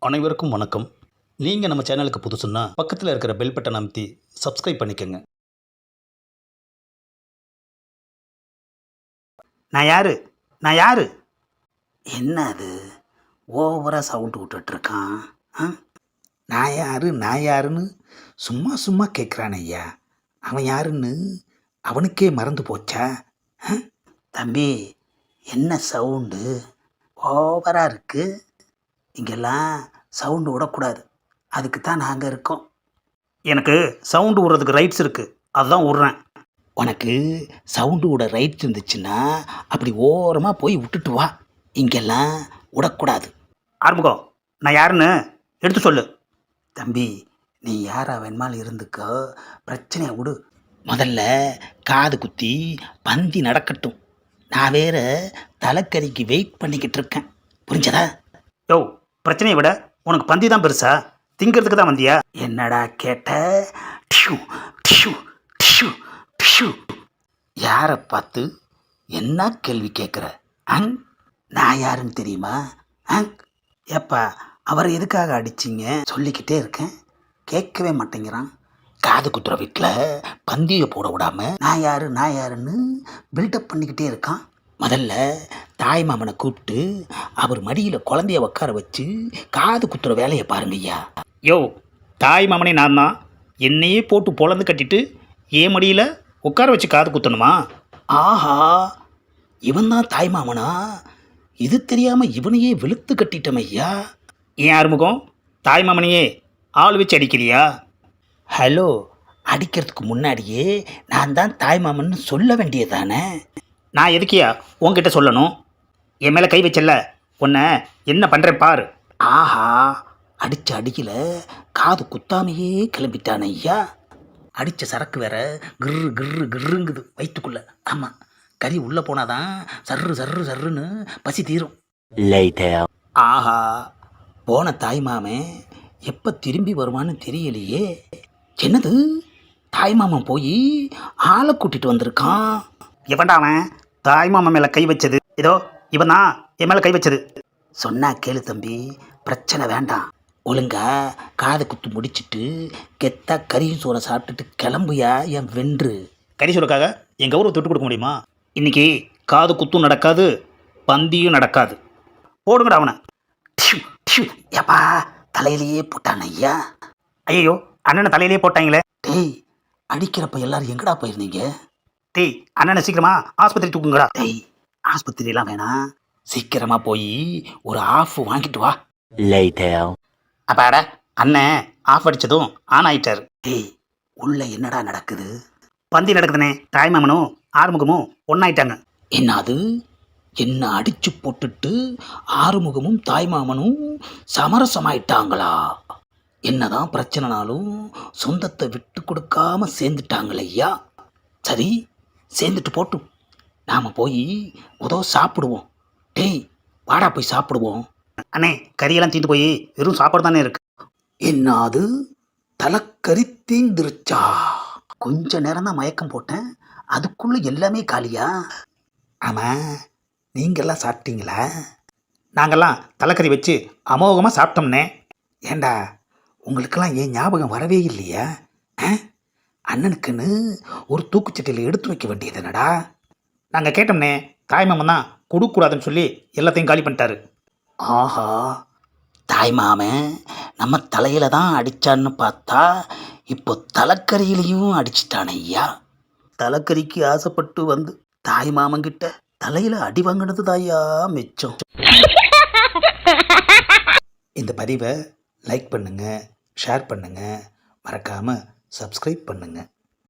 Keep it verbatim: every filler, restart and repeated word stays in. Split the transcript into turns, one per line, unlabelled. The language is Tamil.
அனைவருக்கும் வணக்கம். நீங்கள் நம்ம சேனலுக்கு புதுசுன்னா பக்கத்தில் இருக்கிற பெல் பட்டன் அமைத்தி சப்ஸ்கிரைப் பண்ணிக்கோங்க.
நான் யாரு நான் யாரு என்ன அது ஓவராக சவுண்டு விட்டுட்ருக்கான்? ஆ நான் யாரு நான் யாருன்னு சும்மா சும்மா கேட்குறான் ஐயா. அவன் யாருன்னு அவனுக்கே மறந்து போச்சா? ஆ? தம்பி, என்ன சவுண்டு ஓவராக இருக்கு? இங்கெல்லாம் சவுண்டு விடக்கூடாது. அதுக்கு தான் நாங்கள் இருக்கோம். எனக்கு சவுண்டு விடுறதுக்கு ரைட்ஸ் இருக்குது, அதுதான் விட்றேன். உனக்கு சவுண்டு விட ரைட்ஸ் இருந்துச்சுன்னா அப்படி ஓரமாக போய் விட்டுட்டு வா. இங்கெல்லாம் விடக்கூடாது. ஆரம்பிக்கோ. நான் யாருன்னு எடுத்து சொல்லு. தம்பி, நீ யாரா வேணுமாலும் இருந்துக்கோ, பிரச்சனையை விடு. முதல்ல காது குத்தி பந்தி நடக்கட்டும். நான் வேற தலைக்கறிக்கு வெயிட் பண்ணிக்கிட்டு இருக்கேன். புரிஞ்சதா? யோ, பிரச்சனையை விட உனக்கு பந்தி தான் பெருசா? திங்கிறதுக்கு தான் வந்தியா? என்னடா கேட்ட? டிஷு டிஷு டிஷு டிஷு. யாரை பார்த்து என்ன கேள்வி கேட்குற? அங் நான் யாருன்னு தெரியுமா? அங் ஏப்பா, அவரை எதுக்காக அடிச்சிங்க? சொல்லிக்கிட்டே இருக்கேன், கேட்கவே மாட்டேங்கிறான். காது குத்துற வீட்டில் பந்தியை போட விடாம நான் யாரு நான் யாருன்னு பில்டப் பண்ணிக்கிட்டே இருக்கான். முதல்ல தாய் மாமனை கூப்பிட்டு அவர் மடியில் குழந்தைய உட்கார வச்சு காது குத்துற வேலையை பாருங்க ஐயா. யோ, தாய் மாமனே நான் தான். என்னையே போட்டு பொழந்து கட்டிட்டு ஏன் மடியில் உட்கார வச்சு காது குத்தணுமா? ஆஹா, இவன் தான் தாய் மாமனா? இது தெரியாமல் இவனையே வெளுத்து கட்டிட்டோம் ஐயா. ஏன் ஆறுமுகம், தாய் மாமனையே ஆள் வச்சு அடிக்கிறியா? ஹலோ, அடிக்கிறதுக்கு முன்னாடியே நான் தான் தாய் மாமன்னு சொல்ல வேண்டியதானே? நான் எதுக்கியா உன்கிட்ட சொல்லணும்? என் மேலே கை வச்சல, உன்னை என்ன பண்ணுறேன் பாரு. ஆஹா, அடித்த அடியில் காது குத்தாமையே கிளம்பிட்டான் ஐயா. அடித்த சரக்கு வேற கிர்ரு கிர்ரு கிர்ருங்குது வயிற்றுக்குள்ளே. ஆமாம், கறி உள்ளே போனாதான் சர்ரு சர்ரு சர்ருன்னு பசி தீரும். ஆஹா, போன தாய் மாமன் எப்போ திரும்பி வருவான்னு தெரியலையே. என்னது, தாய் மாமன் போய் ஆளை கூட்டிகிட்டு வந்திருக்கான். எவன்டா அவன் தாய் மாமன் மேலே கை வச்சது? ஏதோ இவன் தான் என் மேலே கை வச்சது. சொன்னா கேளு தம்பி, பிரச்சனை வேண்டாம். ஒழுங்கா காது குத்து முடிச்சுட்டு கெத்தா கறியும் சோறை சாப்பிட்டுட்டு கிளம்புயா என் வென்று. கறி சோறுக்காக என் கௌரவத்தை விட்டு கொடுக்க முடியுமா? இன்னைக்கு காது குத்தும் நடக்காது, பந்தியும் நடக்காது. போடுங்கடா அவனை. ஏப்பா, தலையிலேயே போட்டான் ஐயா. ஐயோ, அண்ணனை தலையிலேயே போட்டாங்களே. டேய், அடிக்கிறப்ப எல்லாரும் எங்கடா போயிருந்தீங்க? டேய், அண்ணனை சீக்கிரமா ஆஸ்பத்திரி தூக்குங்கடா. டேய், ஆஸ்பத்திரியெல்லாம் வேணாம், சீக்கிரமா போய் ஒரு ஆஃப் வாங்கிட்டு வா. அப்பாடா, அண்ணன் ஆஃப் அடித்ததும் ஆன் ஆயிட்டார். டேய், உள்ள என்னடா நடக்குது? பந்தி நடக்குதுனே. தாய்மாமனும் ஆறுமுகமும் ஒன்றாயிட்டாங்க. என்னது, என்ன அடிச்சு போட்டுட்டு ஆறுமுகமும் தாய்மாமனும் சமரசமாயிட்டாங்களா? என்னதான் பிரச்சனைனாலும் சொந்தத்தை விட்டு கொடுக்காம சேர்ந்துட்டாங்களையா. சரி, சேர்ந்துட்டு போட்டும், நாம் போய் உதவ சாப்பிடுவோம். டேய், வாடா போய் சாப்பிடுவோம். அண்ணே, கறியெல்லாம் தீந்து போய் வெறும் சாப்பாடு தானே இருக்கு. என்னது, தலைக்கறி தீந்துருச்சா? கொஞ்ச நேரம் தான் மயக்கம் போட்டேன், அதுக்குள்ளே எல்லாமே காலியா? ஆமாம், நீங்கள்லாம் சாப்பிட்டீங்களா? நாங்கள்லாம் தலைக்கறி வச்சு அமோகமாக சாப்பிட்டோம்னே. ஏண்டா, உங்களுக்கெல்லாம் ஏன் ஞாபகம் வரவே இல்லையா? அண்ணனுக்குன்னு ஒரு தூக்குச்சட்டியில் எடுத்து வைக்க வேண்டியது என்னடா? நாங்கள் கேட்டோம்னே, தாய்மாமன் தான் கொடுக்கூடாதுன்னு சொல்லி எல்லாத்தையும் காலி பண்ணிட்டாரு. ஆஹா, தாய்மாமன் நம்ம தலையில தான் அடித்தான்னு பார்த்தா இப்போ தலைக்கறியிலையும் அடிச்சிட்டான் ஐயா. தலைக்கறிக்கு ஆசைப்பட்டு வந்து தாய்மாமன்கிட்ட தலையில் அடி வாங்கினது தாயா மிச்சம். இந்த பதிவை லைக் பண்ணுங்கள், ஷேர் பண்ணுங்கள், மறக்காமல் சப்ஸ்கிரைப் பண்ணுங்கள்.